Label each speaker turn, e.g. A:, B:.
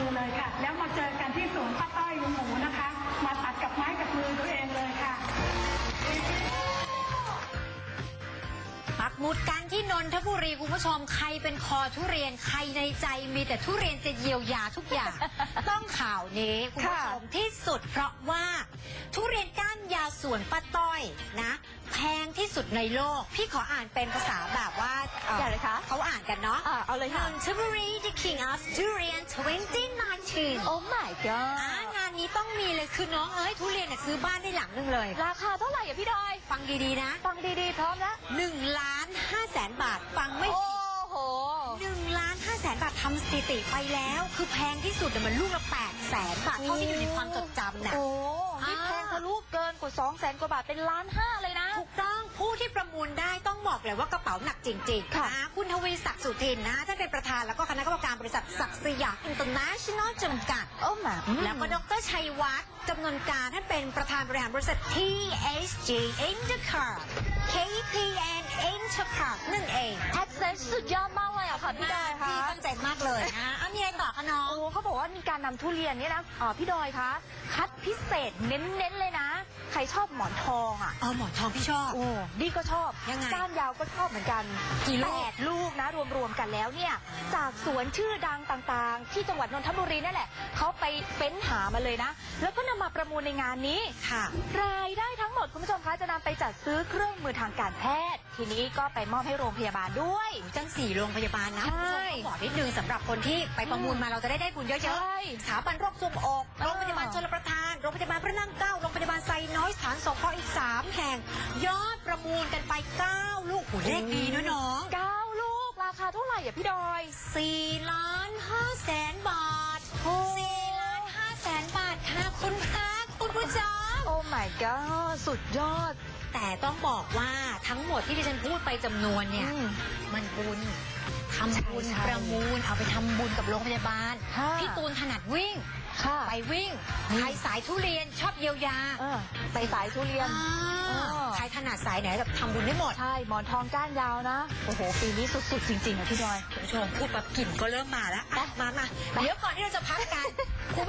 A: อเลยค่ะแล้วมาเจอกันที่สวนป้าต้อยลุงหมูนะคะมาตัดกับไม้กับมือตัวเองเลยค่ะ
B: ปักหมุดกันที่นนทบุรีคุณผู้ชมใครเป็นคอทุเรียนใครในใจมีแต่ทุเรียนจะเยียวยาทุกอย่าง ต้องข่าวนี้คุณผู้ชมที่สุดเพราะว่าทุเรียนก้านยาวสวนป้าต้อยนะแพงที่สุดในโลกพี่ขออ่านเป็นภาษาแบบว่า
C: อย่างไรคะ
B: เขาอ่านกันเนาะ
C: เอาเลยค่ะ
B: Nonthaburi the King of Durian 2019
C: Oh my god
B: งานนี้ต้องมีเลยคือน้องทุเรียนซื้อบ้านได้หลังนึงเลย
C: ราคาเท่าไหร่อ่ะพี่ดอย
B: ฟังดีๆนะ
C: ฟังดีๆพร้อมแล้ว
B: 1,500,000 บาทฟังไม่
C: โอ้โห
B: 1,500,000 บาททำสถิติไปแล้วคือแพงที่สุดมันลูกละ800,000 บาทเท่าที่อยู่ในความจดจำน่ะ
C: โอ้นี่แพงทะลุเกินกว่า200,000 กว่าบาทเป็น1,500,000เลยนะ
B: ถูกต้องผู้ที่ประมูลได้ต้องบอกเลยว่ากระเป๋าหนักจริงๆนะคุณทวีศักดิ์สุทินนะท่านเป็นประธานแล้วก็คณะกรรมการบริษัทศักดิ์สยามอินเตอร์เนชั่นแนลจำกัดแล้วก็ดร.ชัยวัฒน์จำนวนการท่านเป็นประธานบริหารบริษัท THG Intercard KPN Intercard นั่นเอง
C: Access สุดยอดมากเลยอ่ะค่ะพี่ดอยค่ะ
B: พี่ตั้งใจมากเลยนะมีอะไรต่อคะน้อง
C: โอ้เขาบอกว่ามีการนำทุเรียนเนี่ยนะพี่ดอยคะคัดพิเศษเน้นๆเลยนะใครชอบหมอนทองอ่ะ
B: หมอนทองพี่ชอบ
C: โอ้นี่ก็ชอบ
B: ยังไง
C: ก้านยาวก็ชอบเหมือนกัน
B: กี่ลูก
C: 8 ลูกนะรวมๆกันแล้วเนี่ยจากสวนชื่อดังต่างๆที่จังหวัดนนทบุรีนั่นแหละเขาไปเฟ้นหามาเลยนะแล้วก็นำมาประมูลในงานนี้
B: ค่ะ
C: รายได้ทั้งหมดคุณผู้ชมคะจะนำไปจัดซื้อเครื่องมือทางการแพทย์ทีนี้ก็ไปมอบให้โรงพยาบาลด้วย
B: จัง4 โรงพยาบาลนะคุณผู้ชมบอกนิดนึงสำหรับคนที่ไปประมูลมาเราจะได้บุญเยอะๆสถาบันโรคทรวงอกโรงพยาบาลชลประทานโรงพยาบาลพระนั่งเกล้าโรงพยาบาลไซน้อยสถานสงเคราะห์อีก3 แห่งยอดประมูลกันไป9 ลูกเลขดีนะน้อง
C: 9 ลูกราคาเท่าไหร่อ่ะพี่ดอย
B: 4,500,000 บาท4,500,000 บาทค่ะคุณพระคุณผู้ชม
C: โอ้ my god สุดยอด
B: แต่ต้องบอกว่าทั้งหมดที่ดิฉันพูดไปจำนวนเนี่ยมันบุญทำบุญประมูลเอาไปทำบุญกับโรงพยาบาลพี่ตูนถนัดวิ่งไปวิ่งใครสายทุเรียนชอบเยียวยา
C: ไปสายทุเรียน
B: ใครถนัดสายไหนแบบทำบุญได้หมด
C: ใช่หมอนทองก้านยาวนะโอ้โหปีนี้สุดๆจริงๆนะพี่ดอย
B: คุณผู้ชมพูดแบบกลิ่นก็เริ่มมาแล้วมาเดี๋ยวก่อนที่เราจะพักกัน